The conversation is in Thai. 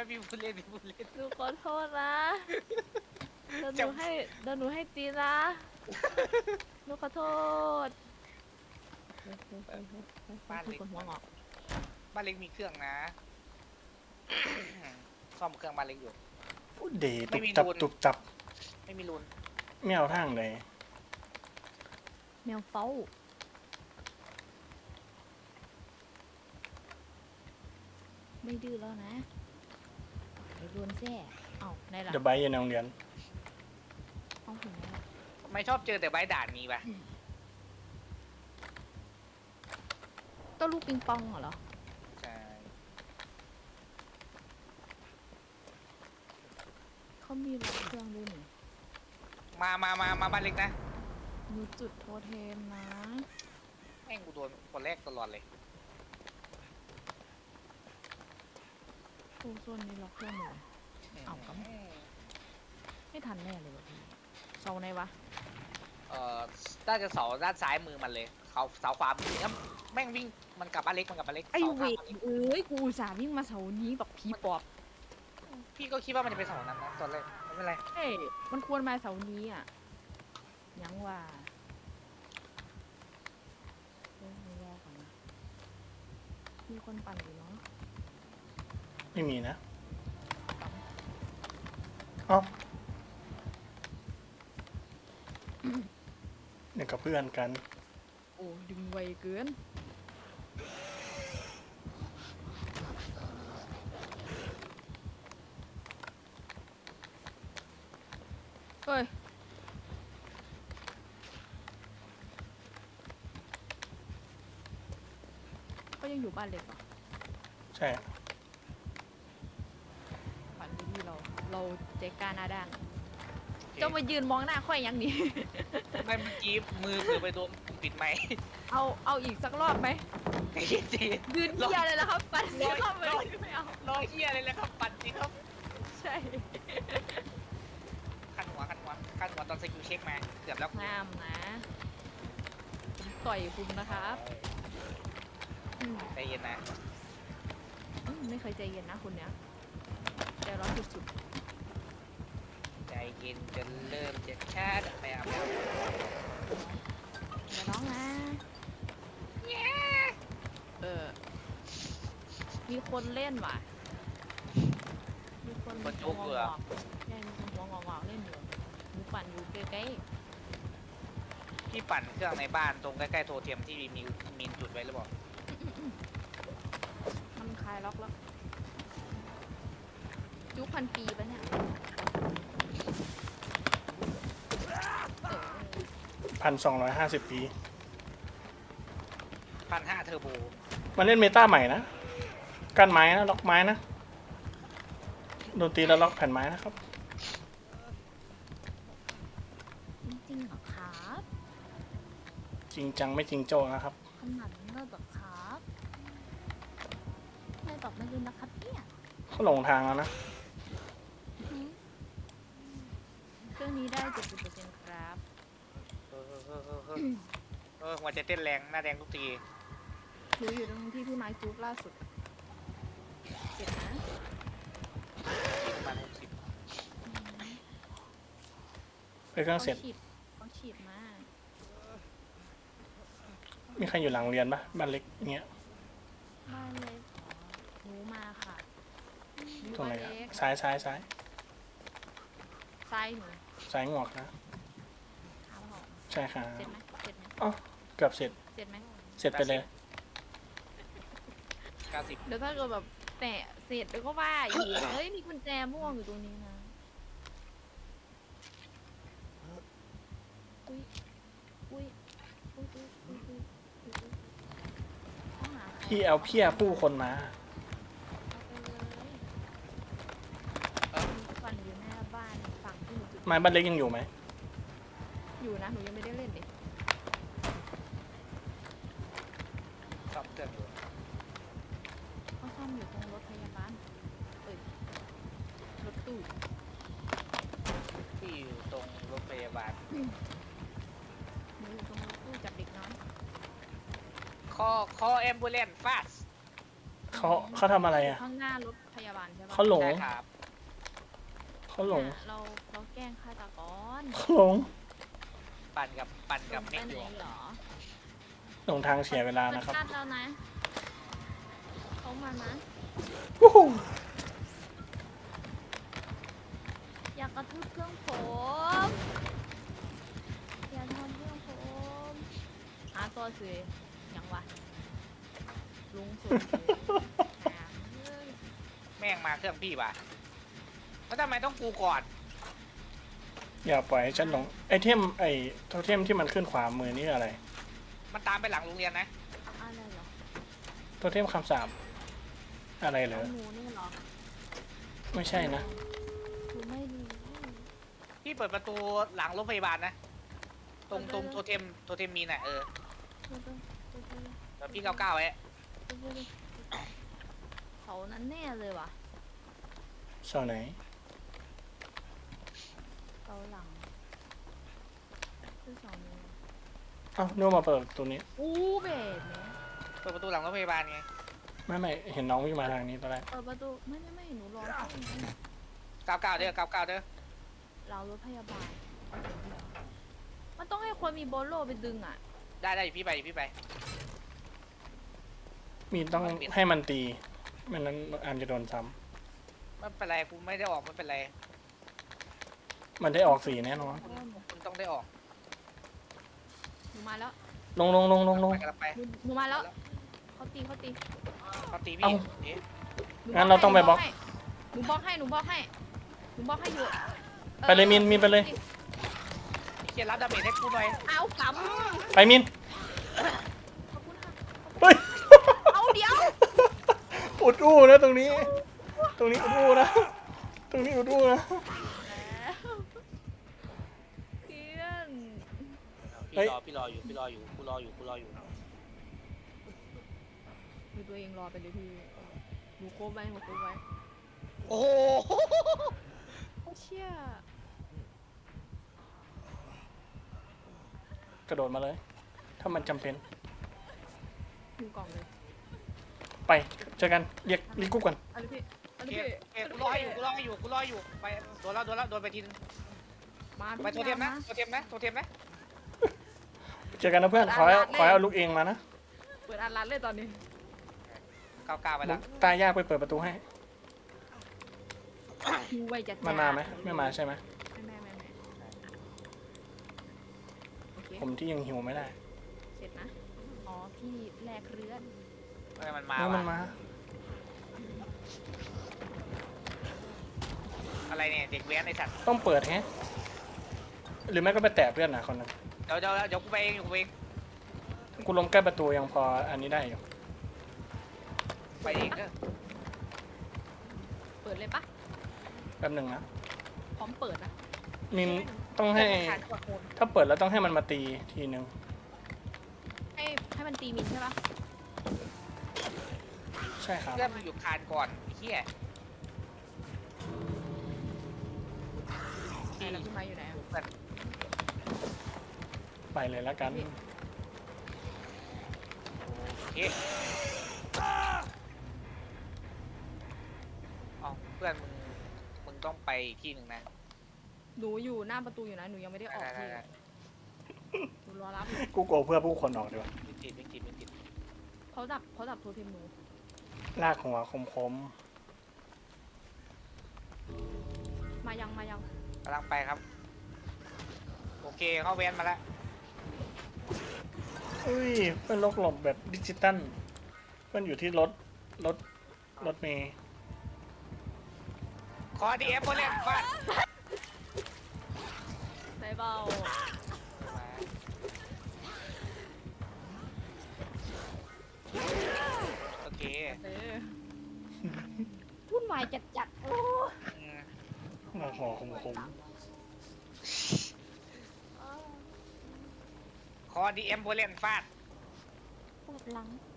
พี่พูดเล่นพี่พูดเล่นหนูขอโทษนะเดี๋ยวหนูให้เดี๋ยวหนูให้ตีนะหนูขอโทษเฮ้ยบ้านมีเล็กคนหัวงอกบ้านเล็กมีเครื่องนะซ่อมเครื่องบ้านเล็กอยู่เดตุไม่มีบตับรูนตุบตับไม่มีรูนไม่เอาทางเลยแมวเฝ้าไม่ดื้อแล้วนะเดี๋ยวโดนแซ่เอ้าไหนล่ะเดี๋ยวใบอยู่ในโรงเรียนเอาถึงไหนล่ะทำไมชอบเจอแต่ใบด่านนี้ปะก็ลูกปิงปองเหรอใช่เขามีรถเครื่องด้วยนี่มาบ้านเล็กนะหนูจุดโทเทมนะแม่งกูโดนคนแรกตลอดเลยโอ้โซนนี้ล็อกเครื่องอยู่เอากำไม่ทันแน่เลยวะพี่เสาไหนวะน่าจะเสาด้านซ้ายมือมันเลยเขาเสาขวามือแล้วแม่งวิ่งมันกลับบ้านเล็กมันกลับบ้านเล็กไอเสาเวข้างกบ้านเล็กเอ้ยกูอุตส่าห์วิ่งมาเสานี้แบบผีปอบพี่ก็คิดว่ามันจะเป็นเสานั้นนะตอนแรกไม่เป็นไรเอ้ยมันควรมาเสานี้อ่ะยังว่าเฮ้ยไม่รอก่อนนะมีคนปั่นอยู่เนาะไม่มีนะเอ้าเนี่ยกับเพื่อนกันโอ้ดึงไวเกินเฮ้ยก็ยังอยู่บ้านเล็กเหรอใช่ปั่นดีที่เราใจกล้าหน้าด้านเจ้ามายืนมองหน้าค่อยยังนี่ไม่เมื่อกี้มือเผื่อไปโดนปิดไมค์เอาอีกสักรอบไหมไอ้เหี้ยจียืนเกียร์เลยแล้วครับ ปั่นเสียเข้าไปรอไม่เอารอเฮียเลยแหละครับปั่นจริงครับใช่ขั้นหัวตอนสกิลเช็คมาเกือบแล้วงามนะผมต่อยคุณนะครับอืมใจเย็นนะไม่เคยใจเย็นนะคุณเนี้ยใจร้อนสุดใจเย็นจนเริ่มจะชาติไปอาบน้ๆอย่าร้องนะมีคนเล่นว่ะมีคนหัวงอกๆใช่มีคนหัวงอกๆเล่นอยู่หนูปั่นอยู่ใกล้ำพี่ปั่นเครื่องในบ้านตรงใกล้ๆโทเทมที่มีจุดไว้หรือเปล่าๆมันคลายล็อกแล้วยุคพันปีปะเนี่ยเออ 1,250 ปี 1,500เทอร์โบมันเล่นเมตาใหม่นะกั้นไม้นะล็อกไม้นะโดนตีแล้วล็อกแผ่นไม้นะครับจริงๆเหรอครับจริงจังไม่จริงโจ้นะครับขนาดนั้นเลยเหรอครับไม่ตอบไม่รู้นะครับเนี่ยเขาหลงทางแล้วนะเครื่องนี้ได้ 70%ครับหัวใจเต้นแรงหน้าแดงทุกทีหนูอยู่ตรงที่พี่ไม้จุ๊บล่าสุด เสร็จนะประมาณ60 ไปเครื่องเสร็จเขาฉีดมามีใครอยู่หลังโรงเรียนปะบ้านเล็กอย่างเงี้ยบ้านเล็กหนูมาค่ะหนูตรงไหนบ้านอะเล็กซ้ายซ้ายหนูซ้ายงอกนะขาหอมใช่ค่ะเสร็จไหมเสร็จไหมอ๋อเกือบเสร็จเสร็จไหมเสร็จไปเลย 90 เดี๋ยวถ้าเกิดแบบแตะเสร็จแล้วก็ว่าอีกเฮ้ยมีกุญแจม่วงอยู่ตรงนี้นะอุ้ยอุ้ยอุ้ยอุ้ยอุ้ยอุ้ยอุ้ยต้องหาใครพี่เอาเพี้ยผู้คนมาเอาไปเลยมีควันอยู่หน้าบ้านฝั่งที่หนูจุดไม้บ้านเล็กยังอยู่ไหมอยู่นะหนูยังไม่ได้เล่นเลยซ่อมเครื่องอยู่เขาซ่อมอยู่ตรงรถพยาบาลเอ้ยรถตู้ที่อยู่ตรงรถพยาบาลหนูอยู่ตรงรถตู้จับเด็กน้อยคอแอมบูเลนฟาสเขาทำอะไรอ่ะข้างหน้ารถพยาบาลใช่ปะเขาหลงใช่ครับเขาหลงเนี่ยเราแกล้งฆาตกรเขาหลงปั่นกับไปเม็กไหอน ยู่เหรอหลงทางเสียเวลานะครับมัดแล้วนะเขามานะวู้ฮู้อยากกระทืบเครื่องผมอย่าทำเครื่องผมหาตัวสิยังวะลุงสุดเลยหาเอ้ยแม่งมาเครื่องพี่ว่ะแล้วทำไมต้องกูก่อนอย่าปล่อยให้ฉันหลงไอเทมโทเทมที่มันขึ้นขวามือนี่อะไรมันตามไปหลังโรงเรียนนะอะไรเหรอโทเทมคำสาปอะไรเหรเอาอหนูนี่เหรอไม่ใช่นะหนูไม่รู้พี่เปิดประตูหลังรถพยาบาลนะ ตรงเปิดเลยโทเทมมีน่ะเออเดี๋ยวๆแล้วพี่99ไว้เขานั้นแน่เลยว่ะเสาไหนเกาหลังคือสองมือเอ้านู่นมาเปิดตัวนี้อู้เบสเนี่ยเปิดประตูหลังรถพยาบาลไงไม่เห็นน้องวิ่งมาทางนี้ตอนแรกเปิดประตูไม่หนูรอที่นี่ 99เด้อ99เด้อเรารถพยาบาลมันต้องให้คนมีโบโลไปดึงอ่ะได้อยู่พี่ไปอยู่พี่ไปมีต้องให้มันตีไม่นั้นอันจะโดนซ้ไม่เป็นไรกูไม่ได้ออกไม่เป็นไรำมันได้ออกสีแน่นอนคุณต้องได้ออกหนูมาแล้วลงไปกันไปหนูมาแล้วเขาตีเขาตีเอ้าพี่เอ๊ะหนูงั้นเราต้องไปบล็อกหนูบล็อกให้หนูบล็อกให้อยู่ไปเลยมินไปเลยเขียนรับดาเมจให้กูหน่อยเอากไปมินำขอบคุณค่ะเฮ้ยเอาเดี๋ยวอุดอู้นะตรงนี้อุดอู้นะตรงนี้อุดอู้นะแล้วเพื่อนเฮ้ยพี่รออยู่กูรออยู่ดูตัวเองรอไปเลยพี่หนูโค้งไว้โอ้โหเชี่ยกระโดดมาเลย ถ้ามันจำเป็นดูกล่องเลยไปเจอกันเรียกกุ๊กก่อนอะไรพี่โอเคกูรออยู่ไปโดนแล้วโดนไปทีนึงมาไปโทเทมนะโทเทมนะเจอกันนะเพื่อนขอให้เอาลูกเองมานะเปิดอันรันเลยตอนนี้ 99ไปแล้วตายยากไปเปิดประตูให้ดูไวจัดมันมาไหมไม่มาใช่ไหมไม่โอเคผมที่ยังหิวไม่ได้เสร็จนะอ๋อพี่แลกเรือนมันมามันมาอะไรเนี่ยเด็กแว้นไอสัตว์ต้องเปิดแฮะหรือไม่ก็ไปแตะเพื่อนนะคนนึงเดี๋ยวกูไปเองกูล้มใกล้ประตูยังพออันนี้ได้อยู่ไปเองก็เปิดเลยปะแป๊บหนึ่งนะพร้อมเปิดนะมินต้องให้ถ้าเปิดแล้วต้องให้มันมาตีทีนึงให้มันตีมินใช่ปะใช่ครับเพื่อนมันอยู่คานก่อนเฮียไหนแล้วพี่ไม้อยู่ไหนอะเพื่อนไปเลยแล้วกันโอเคอ๋อเพื่อนมึงต้องไปอีกที่หนึ่งนะหนูอยู่หน้าประตูอยู่นะหนูยังไม่ได้ออกที่หนูรอรับอยู่กูโกลัวเพื่อผู้คนออกดีกว่าไม่ติดเขาดับโทรเทมหนูลากหัวคมมายังกำลังไปครับโอเคเข้าแว้นมาแล้วๆอุ้ยเพื่อนลกหลบแบบดิจิตอลเพื่อนอยู่ที่รถเมย์ขอดีเอฟโบเล่นฟาดใส่เบาโอเควุ่นวายจัดโอ้อืมหัวคมขอดีเอ็มโบเล่นฟาดปวดหลัง